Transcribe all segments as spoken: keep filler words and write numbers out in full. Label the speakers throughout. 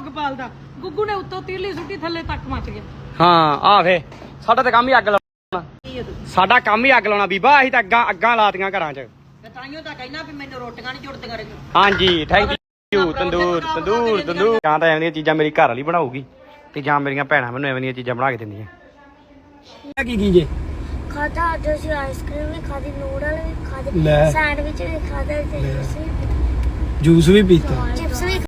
Speaker 1: ਅੱਗ ਬਾਲਦਾ। ਗੁੱਗੂ ਨੇ ਉੱਤੋਂ ਤੀਲੀ ਸੁੱਟੀ ਥੱਲੇ ਤੱਕ ਮੱਚ ਗਿਆ।
Speaker 2: ਹਾਂ ਆ ਵੇ ਸਾਡਾ ਤਾਂ ਕੰਮ ਹੀ ਅੱਗ ਲਾਉਣਾ, ਸਾਡਾ ਕੰਮ ਹੀ ਅੱਗ ਲਾਉਣਾ ਬੀਬਾ। ਅਸੀਂ ਤਾਂ ਅੱਗਾਂ ਅੱਗਾਂ ਲਾਤੀਆਂ ਘਰਾਂ 'ਚ।
Speaker 3: ਤਾਈਓ ਤਾਂ ਕਹਿਣਾ ਵੀ ਮੈਨੂੰ ਰੋਟੀਆਂ ਨਹੀਂ ਜੁੜਦੀਆਂ ਰਹੀਆਂ।
Speaker 2: ਹਾਂਜੀ ਥੈਂਕ ਯੂ। ਤੰਦੂਰ ਤੰਦੂਰ ਤੰਦੂਰ ਜਾਂ ਤਾਂ ਐਵੇਂ ਦੀਆਂ ਚੀਜ਼ਾਂ ਮੇਰੀ ਘਰ ਵਾਲੀ ਬਣਾਊਗੀ ਤੇ ਜਾਂ ਮੇਰੀਆਂ ਭੈਣਾਂ ਮੈਨੂੰ ਐਵੇਂ ਦੀਆਂ ਚੀਜ਼ਾਂ ਬਣਾ ਕੇ ਦਿੰਦੀਆਂ। ਕੀ ਕੀ ਜੇ
Speaker 4: ਖਾਦਾ ਅੱਜ ਅਸੀਂ ਆਈਸਕ੍ਰੀਮ ਵੀ ਖਾਦੀ, ਨੂਡਲ ਵੀ ਖਾਦੇ,
Speaker 2: ਲੈ
Speaker 4: ਸੈਂਡਵਿਚ ਵੀ ਖਾਦਾ ਤੇ ਜੂਸ ਵੀ
Speaker 2: ਜੂਸ ਵੀ ਪੀਤਾ।
Speaker 4: ਚਿਪਸ ਵੀ।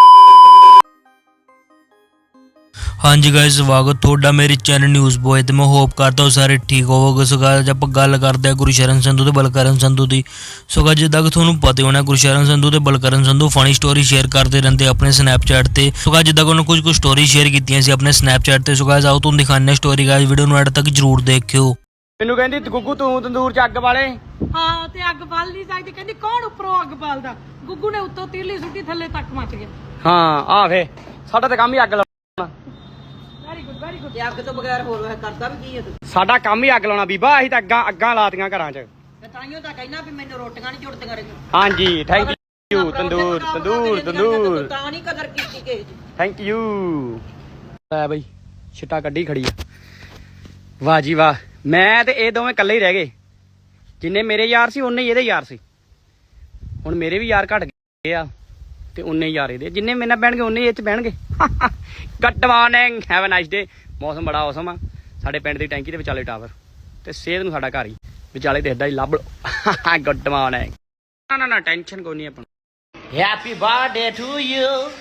Speaker 5: ਹਾਂਜੀ ਗਾਇਸ ਸਵਾਗਤ ਤੁਹਾਡਾ ਮੇਰੇ ਚੈਨਲ ਨਿਊਜ਼ ਬॉय ਤੇ ਮੈਂ ਹੋਪ ਕਰਦਾ ਹਾਂ ਸਾਰੇ ਠੀਕ ਹੋਵੋਗੇ। ਸੋ ਗਾਇਸ ਆਪਾਂ ਗੱਲ ਕਰਦੇ ਹਾਂ ਗੁਰਸ਼ਰਨ ਸੰਧੂ ਤੇ ਬਲਕਰਨ ਸੰਧੂ ਦੀ। ਸੋ ਗਾਇਸ ਜਿੱਦਾਂ ਕਿ ਤੁਹਾਨੂੰ ਪਤਾ ਹੋਣਾ ਗੁਰਸ਼ਰਨ ਸੰਧੂ ਤੇ Balkaran Sandhu funny story share ਕਰਦੇ ਰਹਿੰਦੇ ਆਪਣੇ ਸਨੈਪਚੈਟ ਤੇ। ਸੋ ਗਾਇਸ ਜਿੱਦਾਂ ਕਿ ਉਹਨਾਂ ਕੁਝ ਕੁ ਸਟੋਰੀ ਸ਼ੇਅਰ ਕੀਤੀਆਂ ਸੀ ਆਪਣੇ ਸਨੈਪਚੈਟ ਤੇ। ਸੋ ਗਾਇਸ ਆਓ ਤੁਹਾਨੂੰ ਦਿਖਾਉਂਦੇ ਹਾਂ ਸਟੋਰੀ। ਗਾਇਸ ਵੀਡੀਓ ਨੂੰ ਐਡ ਤੱਕ ਜਰੂਰ ਦੇਖਿਓ।
Speaker 2: ਮੈਨੂੰ ਕਹਿੰਦੀ ਗੁੱਗੂ ਤੂੰ ਤੰਦੂਰ 'ਚ ਅੱਗ ਬਾਲੇ।
Speaker 1: ਹਾਂ ਤੇ ਅੱਗ ਬਾਲ ਨਹੀਂ ਸਕਦੀ। ਕਹਿੰਦੀ ਕੌਣ ਉੱਪਰੋਂ ਅੱਗ ਬਾਲਦਾ। ਗੁੱਗੂ ਨੇ ਉੱਤੋਂ ਤੀਲੀ ਸੁੱਟੀ ਥੱਲੇ ਤੱਕ ਮੱਚ ਗਿਆ।
Speaker 2: ਹਾਂ ਆ ਵੇ ਸਾਡਾ ਤਾਂ ਕੰਮ ਹੀ ਅੱਗ ਲਾਉਣਾ,
Speaker 1: ਵੈਰੀ ਗੁੱਡ ਵੈਰੀ ਗੁੱਡ।
Speaker 3: ਤੇ ਅੱਗ ਤੋਂ ਬਗੈਰ ਹੋਰ ਵੈਸੇ ਕਰਦਾ ਵੀ ਕੀ ਹੈ ਤੂੰ?
Speaker 2: ਸਾਡਾ ਕੰਮ ਹੀ ਅੱਗ ਲਾਉਣਾ ਬੀਬਾ। ਅਸੀਂ ਤਾਂ ਅੱਗਾਂ ਅੱਗਾਂ ਲਾਤੀਆਂ ਘਰਾਂ 'ਚ।
Speaker 3: ਤਾਈਓ ਤਾਂ ਕਹਿਣਾ ਵੀ ਮੈਨੂੰ ਰੋਟੀਆਂ ਨਹੀਂ ਜੁੜਦੀਆਂ ਰਹੀਆਂ।
Speaker 2: ਹਾਂਜੀ ਥੈਂਕ ਯੂ। ਤੰਦੂਰ ਤੰਦੂਰ ਤੰਦੂਰ
Speaker 3: ਤਾਂ ਨਹੀਂ ਕਦਰ ਕੀਤੀ ਕਿਸੇ ਦੀ।
Speaker 2: Thank you. ਲੈ ਬਈ ਛਿੱਟਾ ਕੱਢੀ ਖੜੀ ਆ। ਵਾਹ ਜੀ ਵਾਹ। ਮੈਂ ਤੇ ਇਹ ਦੋਵੇਂ ਇਕੱਲੇ ਹੀ ਰਹਿ ਗਏ। ਜਿੰਨੇ ਮੇਰੇ ਯਾਰ ਸੀ ਉਨੇ ਹੀ ਇਹਦੇ ਯਾਰ ਸੀ। ਹੁਣ ਮੇਰੇ ਵੀ ਯਾਰ ਘਟ ਗਏ ਆ ਤੇ ਉਨੇ ਹੀ ਯਾਰ ਇਹਦੇ। ਜਿੰਨੇ ਮੇਰੇ ਨਾਲ ਬਹਿਣਗੇ ਉਨੇ ਹੀ ਇਹ 'ਚ ਬਹਿਣਗੇ। Good morning, have a nice day. ਮੌਸਮ ਬੜਾ ਔਸਮ ਆ। ਸਾਡੇ ਪਿੰਡ ਦੀ ਟੈਂਕੀ ਦੇ ਵਿਚਾਲੇ ਟਾਵਰ ਤੇ ਸੇਧ ਨੂੰ ਸਾਡਾ ਘਰ ਹੀ ਵਿਚਾਲੇ ਤੇ ਏਦਾਂ ਹੀ ਲੱਭ ਲਓ। Good morning. ਨਾ ਨਾ ਨਾ ਟੈਨਸ਼ਨ ਕੋਈ ਨਹੀਂ ਆਪਾਂ ਨੂੰ। Happy birthday to you.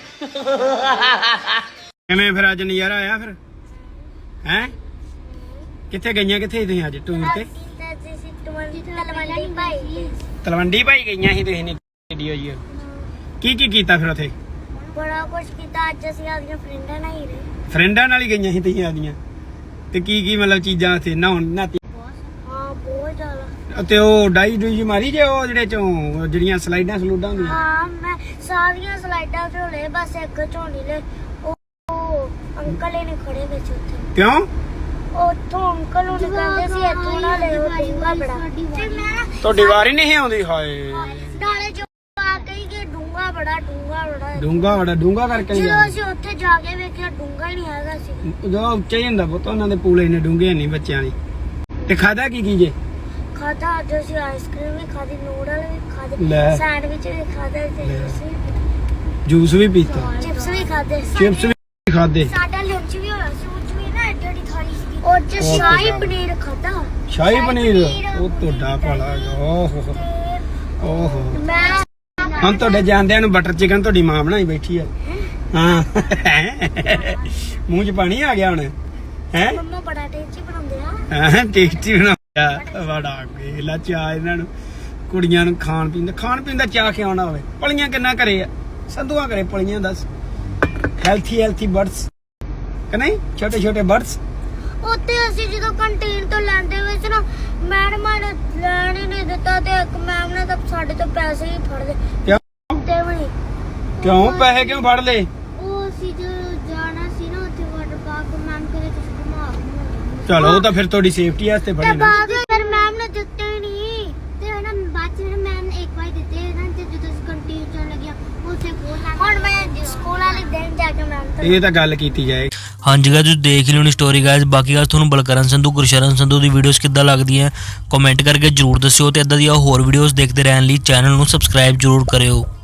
Speaker 2: ਕਿਵੇਂ ਫਿਰ ਅੱਜ ਨਜ਼ਾਰਾ ਆਇਆ ਫਿਰ ਹੈ? ਕਿੱਥੇ ਗਈਆਂ ਕਿੱਥੇ ਤੁਸੀਂ ਅੱਜ ਟੂਰ ਤੇ?
Speaker 4: ਤਲਵੰਡੀ ਭਾਈ
Speaker 2: ਤਲਵੰਡੀ ਭਾਈ ਗਈਆਂ ਸੀ ਤੁਸੀਂ ਨੇ ਵੀਡੀਓ ਜੀ। ਕੀ ਕੀ ਕੀਤਾ ਫਿਰ ਉੱਥੇ?
Speaker 4: ਬੜਾ ਕੁਝ ਕੀਤਾ। ਅੱਜ ਅਸੀਂ ਆਪਣੀਆਂ ਫਰੈਂਡਾਂ ਨਾਲ ਹੀ ਰਹੇ।
Speaker 2: ਫਰੈਂਡਾਂ ਨਾਲ ਹੀ ਗਈਆਂ ਸੀ ਤੁਸੀਂ ਆਦੀਆਂ ਤੇ ਕੀ ਕੀ ਮਤਲਬ ਚੀਜ਼ਾਂ ਉੱਥੇ ਨਹਾਉਣ ਨਾਤੀ?
Speaker 4: ਹਾਂ ਬਹੁਤ ਜ਼ਿਆਦਾ।
Speaker 2: ਤੇ ਉਹ ਡਾਈ ਡੂਈ ਮਾਰੀ ਜੇ ਉਹ ਜਿਹੜੇ ਚੋਂ ਜਿਹੜੀਆਂ ਸਲਾਈਡਾਂ ਸਲੂਡਾਂ ਹੁੰਦੀਆਂ?
Speaker 4: ਹਾਂ ਮੈਂ ਸਾਰੀਆਂ ਸਲਾਈਡਾਂ ਝੋਲੇ ਬਸ ਇੱਕ ਝੋਲੀ ਲੈ। ਉਹ ਅੰਕਲ ਹੀ ਨਹੀਂ ਖੜੇ ਵਿੱਚ ਉੱਥੇ।
Speaker 2: ਕਿਉਂ?
Speaker 4: ਉੱਥੋਂ ਅੰਕਲ ਨੂੰ ਕਹਿੰਦੇ ਸੀ ਇੱਥੋਂ ਨਾ ਲਿਓ ਡੂੰਗਾ ਬੜਾ। ਤੇ ਮੈਂ
Speaker 2: ਤੁਹਾਡੀ ਵਾਰੀ ਨਹੀਂ ਆਉਂਦੀ। ਹਾਏ
Speaker 4: ਨਾਲੇ ਜੋ ਆ ਗਈ ਕਿ ਡੂੰਗਾ ਬੜਾ ਡੂੰਗਾ ਬੜਾ।
Speaker 2: ਡੂੰਗਾ ਬੜਾ ਡੂੰਗਾ ਕਰਕੇ ਨਹੀਂ
Speaker 4: ਜਦੋਂ ਅਸੀਂ ਉੱਥੇ ਜਾ ਕੇ ਵੇਖਿਆ ਡੂੰਗਾ ਹੀ ਨਹੀਂ ਹੈਗਾ ਸੀ।
Speaker 2: ਜਦੋਂ ਉੱਚਾ ਹੀ ਹੁੰਦਾ ਪੁੱਤ ਉਹਨਾਂ ਦੇ ਪੂਲੇ ਇੰਨੇ ਡੂੰਗੇ ਨਹੀਂ ਬੱਚਿਆਂ ਦੀ। ਤੇ ਖਾਦਾ ਕੀ ਕੀ ਜੇ?
Speaker 4: ਖਾਦਾ ਅੱਜ ਅਸੀਂ ਆਈਸਕ੍ਰੀਮ ਵੀ ਖਾਦੀ, ਨੂਡਲ ਵੀ ਖਾਦੇ,
Speaker 2: ਲੈ
Speaker 4: ਸੈਂਡਵਿਚ ਵੀ ਖਾਦੇ ਤੇ ਜੂਸ ਵੀ
Speaker 2: ਜੂਸ ਵੀ ਪੀਤਾ,
Speaker 4: ਚਿਪਸ ਵੀ ਖਾਦੇ।
Speaker 2: ਚਿਪਸ ਵੀ ਖਾਦੇ।
Speaker 4: ਸਾਡਾ ਲੰਚ ਵੀ ਹੋਇਆ ਸੀ। ਉਹ 'ਚ ਵੀ ਨਾ ਐਡੀ ਐਡੀ ਥਾਲੀ ਸੀ। ਉਹ 'ਚ ਸ਼ਾਹੀ ਪਨੀਰ ਖਾਦਾ।
Speaker 2: ਸ਼ਾਹੀ ਪਨੀਰ ਉਹ ਤੁਹਾਡਾ ਭਲਾ। ਓਹੋ ਓਹੋ।
Speaker 4: ਮੈਂ
Speaker 2: ਹੁਣ ਤੁਹਾਡੇ ਜਾਂਦਿਆਂ ਨੂੰ ਬਟਰ ਚਿਕਨ ਤੁਹਾਡੀ ਮਾਂ ਬਣਾਈ ਬੈਠੀ ਆ। ਹਾਂ ਮੂੰਹ 'ਚ ਪਾਣੀ ਆ ਗਿਆ ਹੁਣ ਹੈ।
Speaker 4: ਮੰਮਾ ਬੜਾ ਟੇਸਟੀ ਬਣਾਉਂਦੇ ਆ।
Speaker 2: ਹਾਂ ਟੇਸਟੀ ਬਣਾਉਂਦਾ ਬੜਾ ਗੇਲਾ ਚਾਹ ਇਹਨਾਂ ਨੂੰ। ਕੁੜੀਆਂ ਨੂੰ ਖਾਣ ਪੀਣ ਦਾ ਖਾਣ ਪੀਣ ਦਾ ਚਾਹ ਖਿਆਉਣਾ ਹੋਵੇ। ਪਲੀਆਂ ਕਿੰਨਾ ਘਰੇ ਆ? ਸੰਧੂਆਂ ਘਰੇ ਪਲੀਆਂ ਦੱਸ। ਹੈਲਥੀ ਹੈਲਥੀ ਬਰਡਸ ਕਿ ਨਹੀਂ? ਛੋਟੇ ਛੋਟੇ ਬਰਡਸ।
Speaker 4: ਉੱਥੇ ਅਸੀਂ ਜਦੋਂ ਕੰਟੀਨ ਤੋਂ ਲੈਂਦੇ ਵਿੱਚ ਨਾ ਮੈਡਮਾਂ ਨੇ ਲੈਣ ਹੀ ਨਹੀਂ ਦਿੱਤਾ ਤੇ ਇੱਕ ਮੈਮ ਨੇ ਤਾਂ ਸਾਡੇ ਤੋਂ ਪੈਸੇ ਹੀ ਫੜ ਲਏ।
Speaker 2: ਕਿਉਂ?
Speaker 4: ਤੇ ਵੀ
Speaker 2: ਕਿਉਂ ਪੈਸੇ ਕਿਉਂ ਫੜ ਲਏ?
Speaker 4: ਉਹ ਅਸੀਂ ਜੋ ਜਾਣਾ ਸੀ ਨਾ ਉੱਥੇ ਵਾਟਰ ਪਾਰਕ, ਮੈਮ ਕਹਿੰਦੇ ਤੁਸੀਂ ਘੁਮਾ ਘੁਮਾ।
Speaker 2: ਚਲੋ ਉਹ ਤਾਂ ਫਿਰ ਤੁਹਾਡੀ ਸੇਫਟੀ ਵਾਸਤੇ
Speaker 4: ਤੇ
Speaker 2: ਫੜੇ ਨਾ।
Speaker 4: ਬਾਅਦ ਵਿੱਚ ਫਿਰ ਮੈਮ ਨੇ ਦਿੱਤੇ ਹੀ ਨਹੀਂ। ਤੇ ਨਾ ਬਾਅਦ ਚ ਮੈਮ ਨੇ ਇੱਕ ਵਾਰ ਦਿੱਤੇ ਨਾ ਤੇ ਜਦੋਂ ਅਸੀਂ ਕੰਟੀਨ ਚੋਂ ਲੱਗਿਆ ਉੱਥੇ ਕੋਲ ਹੁਣ ਮੈਂ ਸਕੂਲ ਵਾਲੇ ਦਿਨ ਜਾ ਕੇ ਮੈਮ ਤੋਂ
Speaker 2: ਇਹ ਤਾਂ ਗੱਲ ਕੀਤੀ ਜਾਏ।
Speaker 5: ਹਾਂਜੀ ਗਾਇਸ ਤੁਸੀਂ ਦੇਖ ਲਿਓ ਨੀ ਸਟੋਰੀ ਗਾਇਸ। ਬਾਕੀ ਗੱਲ ਤੁਹਾਨੂੰ ਬਲਕਰਨ ਸੰਧੂ ਗੁਰਸ਼ਰਨ ਸੰਧੂ ਦੀ ਵੀਡੀਓਜ਼ ਕਿੱਦਾਂ ਲੱਗਦੀਆਂ ਕਮੈਂਟ ਕਰਕੇ ਜਰੂਰ ਦੱਸਿਓ ਤੇ ਇਦਾਂ ਦੀਆਂ ਹੋਰ ਵੀਡੀਓਜ਼ ਦੇਖਦੇ ਰਹਿਣ ਲਈ ਚੈਨਲ ਨੂੰ ਸਬਸਕ੍ਰਾਈਬ ਜਰੂਰ ਕਰਿਓ।